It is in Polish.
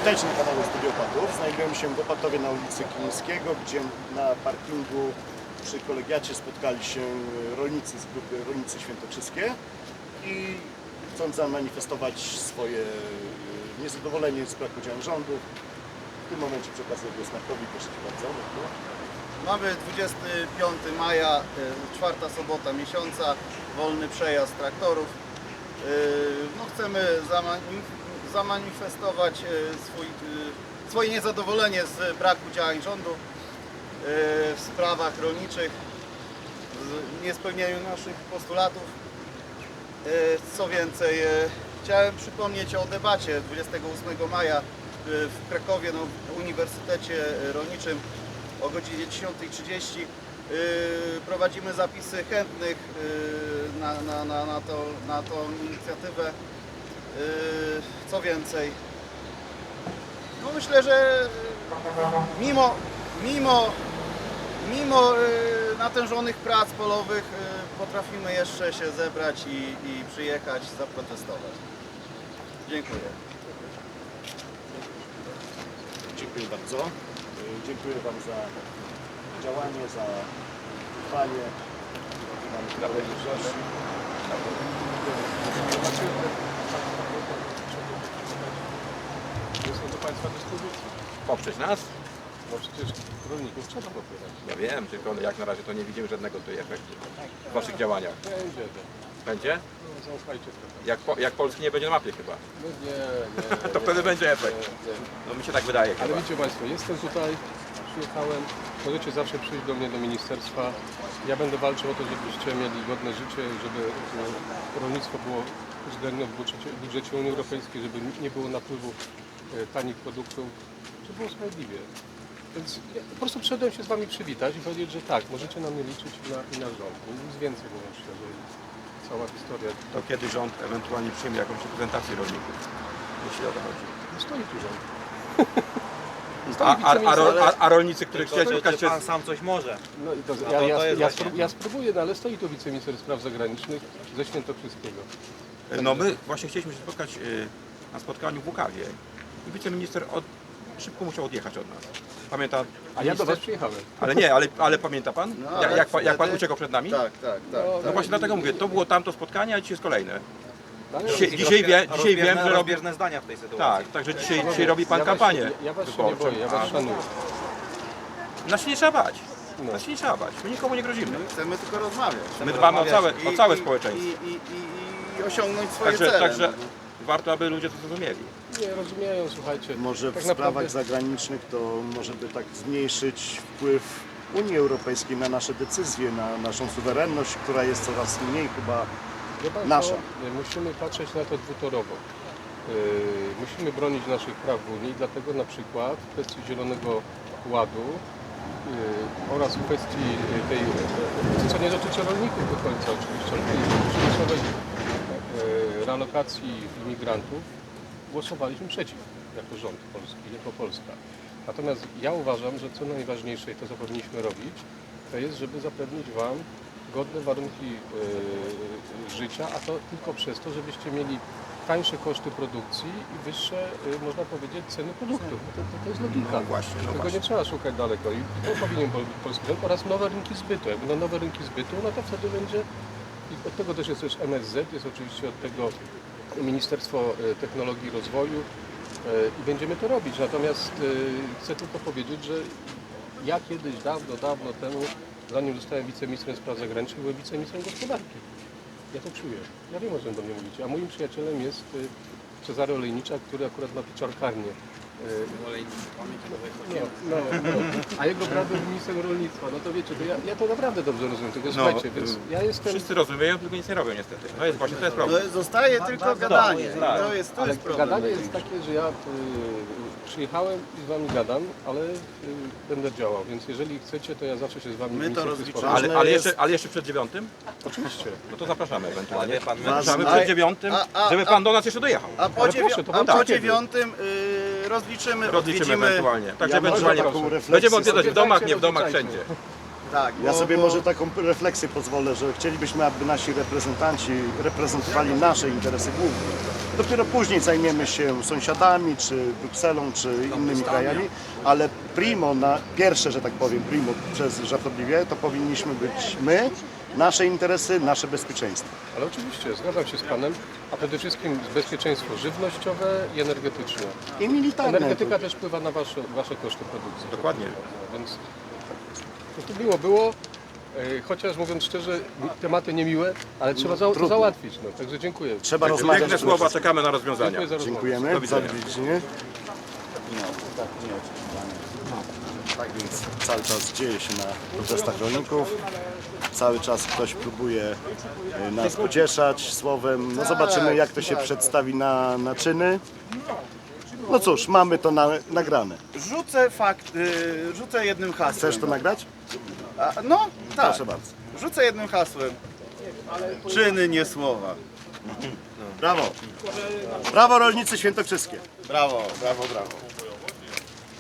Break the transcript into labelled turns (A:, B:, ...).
A: Witajcie na kanale Studio Opatów. Znajdujemy się w Opatowie na ulicy Kilińskiego, gdzie na parkingu przy kolegiacie spotkali się rolnicy z grupy Rolnicy Świętokrzyskie i chcąc zamanifestować swoje niezadowolenie z braku działań rządu. W tym momencie przekazuję głos Markowi. Proszę Cię bardzo.
B: Mamy 25 maja, czwarta sobota miesiąca, wolny przejazd traktorów. No, chcemy zamanifestować swoje niezadowolenie z braku działań rządu w sprawach rolniczych, w niespełnieniu naszych postulatów. Co więcej, chciałem przypomnieć o debacie 28 maja w Krakowie na Uniwersytecie Rolniczym o godzinie 10:30. Prowadzimy zapisy chętnych na tą inicjatywę. Co więcej, no myślę, że mimo natężonych prac polowych potrafimy jeszcze się zebrać i przyjechać, zaprotestować. Dziękuję.
A: Dziękuję bardzo. Dziękuję Wam za działanie, za trwanie. Mamy prawo mniejszości.
C: Są do Państwa dyspozycji.
D: Poprzeć nas?
C: No przecież rolników trzeba popierać.
D: Ja wiem, tylko jak na razie to nie widzimy żadnego tutaj efektu w Waszych działaniach.
C: Będzie.
D: Będzie?
C: No, zaufajcie trochę.
D: Jak Polski nie będzie na mapie chyba.
C: No nie.
D: To wtedy będzie efekt.
C: Nie.
D: No mi się tak wydaje
C: Ale
D: chyba.
C: widzicie Państwo, jestem tutaj, przyjechałem, możecie zawsze przyjść do mnie do ministerstwa. Ja będę walczył o to, żebyście mieli godne życie, żeby rolnictwo było uwzględnione w budżecie Unii Europejskiej, żeby nie było napływu tanich produktów, żeby było sprawiedliwie. Więc ja po prostu przyszedłem się z Wami przywitać i powiedzieć, że tak, możecie na mnie liczyć i na rząd. Nic więcej, mówiąc szczerze. Cała historia.
D: To kiedy rząd ewentualnie przyjmie jakąś reprezentację rolników? Jeśli o to chodzi.
C: No stoi tu rząd.
D: A rolnicy, których chcieli spotkać się...
E: Pan sam coś może.
C: No, i to, ja spróbuję, no, ale stoi tu wiceminister spraw zagranicznych ze Świętokrzyskiego.
D: No my właśnie chcieliśmy się spotkać na spotkaniu w Łukawie i wiceminister szybko musiał odjechać od nas. Pamięta?
C: A ja do Was przyjechałem.
D: Ale nie, ale pamięta Pan?
B: No, ale
D: Jak Pan
B: wtedy-
D: uciekał przed nami?
B: Tak.
D: No właśnie dlatego mówię, to było tamto spotkanie, a dzisiaj jest kolejne.
C: Ale
D: Dzisiaj wiem, że robi...
E: rozbieżne zdania w tej sytuacji.
D: Tak, także dzisiaj robi Pan kampanię
C: Ja Was się nie
D: wyborczą.
C: boję, ja Was szanuję.
D: Nas się nie trzeba bać.
C: No.
D: Nas się nie trzeba bać. My nikomu nie grozimy.
B: Chcemy tylko rozmawiać.
D: My dbamy o całe społeczeństwo.
B: I osiągnąć swoje cele.
D: Także warto, aby ludzie to zrozumieli.
C: Nie rozumieją, słuchajcie.
A: Może w
C: tak
A: sprawach
C: naprawdę-
A: zagranicznych to może by tak zmniejszyć wpływ Unii Europejskiej na nasze decyzje, na naszą suwerenność, która jest coraz mniej chyba
C: Wie Państwo,
A: nasza.
C: musimy patrzeć na to dwutorowo. Musimy bronić naszych praw w Unii, dlatego na przykład w kwestii Zielonego Ładu oraz w kwestii tej, co nie dotyczy rolników do końca oczywiście, ale tej przymusowej realokacji imigrantów, głosowaliśmy przeciw jako rząd polski, jako Polska. Natomiast ja uważam, że co najważniejsze i to co powinniśmy robić, to jest, żeby zapewnić Wam godne warunki życia, a to tylko przez to, żebyście mieli tańsze koszty produkcji i wyższe, można powiedzieć, ceny produktów. To jest logika.
D: No właśnie.
C: Tego nie trzeba szukać daleko i to powinien robić polski rząd oraz nowe rynki zbytu. Jak będą nowe rynki zbytu, no to wtedy będzie, i od tego też jest MSZ, jest oczywiście od tego Ministerstwo Technologii i Rozwoju i będziemy to robić. Natomiast chcę tylko powiedzieć, że ja kiedyś, dawno temu, zanim zostałem wiceministrem spraw zagranicznych, byłem wiceministrem gospodarki. Ja to czuję. Ja wiem, o czym do mnie mówicie. A moim przyjacielem jest Cezary Olejniczak, który akurat ma pieczarkarnię. No. A jego brat był ministrem rolnictwa. No to wiecie, to ja to naprawdę dobrze rozumiem. Tylko słuchajcie, więc ja jestem...
D: Wszyscy rozumieją, tylko nic nie robią niestety. To jest właśnie, to jest problem.
B: No, zostaje tylko gadanie.
D: tak.
B: To jest
C: Ale
B: problem.
C: gadanie jest takie, że ja przyjechałem i z Wami gadam, ale będę działał. Więc jeżeli chcecie, to ja zawsze się z Wami
B: My to
C: ministrem
B: rozliczamy.
C: spotkam.
D: Ale jeszcze przed 9?
C: Oczywiście.
D: No to zapraszamy ewentualnie.
E: Ale wie pan,
D: Zapraszamy
B: ważne-
D: przed 9, żeby Pan do nas jeszcze dojechał.
B: A po,
C: Ale proszę, to
B: po
C: będzie
B: 9 rozliczymy,
D: Rozliczymy
B: odwiedzimy.
D: ewentualnie. Także
A: Ja może
D: ewentualnie
A: taką refleksję
D: będziemy odwiedzać w
C: sobie
D: domach,
C: dajcie,
D: nie w domach,
C: rozliczajcie.
D: wszędzie.
B: Tak,
A: Ja
B: bo-
A: sobie
B: bo-
A: może taką refleksję pozwolę, że chcielibyśmy, aby nasi reprezentanci reprezentowali nasze interesy głównie. Dopiero później zajmiemy się sąsiadami, czy Brukselą, czy innymi krajami, ale primo, pierwsze, że tak powiem, primo przez żartobliwie, to powinniśmy być my, nasze interesy, nasze bezpieczeństwo.
C: Ale oczywiście, zgadzam się z Panem, a przede wszystkim bezpieczeństwo żywnościowe i energetyczne.
A: I militarne.
C: Energetyka też wpływa na wasze koszty produkcji.
D: Dokładnie.
C: Więc to miło było, chociaż mówiąc szczerze, tematy niemiłe, ale trzeba to
A: trudno.
C: załatwić. No. Także dziękuję.
A: Trzeba rozmawiać.
D: Piękne słowa, czekamy na rozwiązania.
C: Dziękuję za rozmowę.
A: Dziękujemy
D: Do
A: za
D: widzenia.
A: odwiedziny. Tak więc cały czas dzieje się na protestach rolników. Cały czas ktoś próbuje nas pocieszać słowem. No zobaczymy, jak to się przedstawi na czyny. No cóż, mamy to nagrane.
B: Rzucę jednym hasłem.
A: Chcesz to nagrać?
B: No, tak.
A: Proszę bardzo.
B: Rzucę jednym hasłem. Czyny, nie słowa.
A: Brawo. Brawo rolnicy świętokrzyskie.
B: Brawo, brawo, brawo.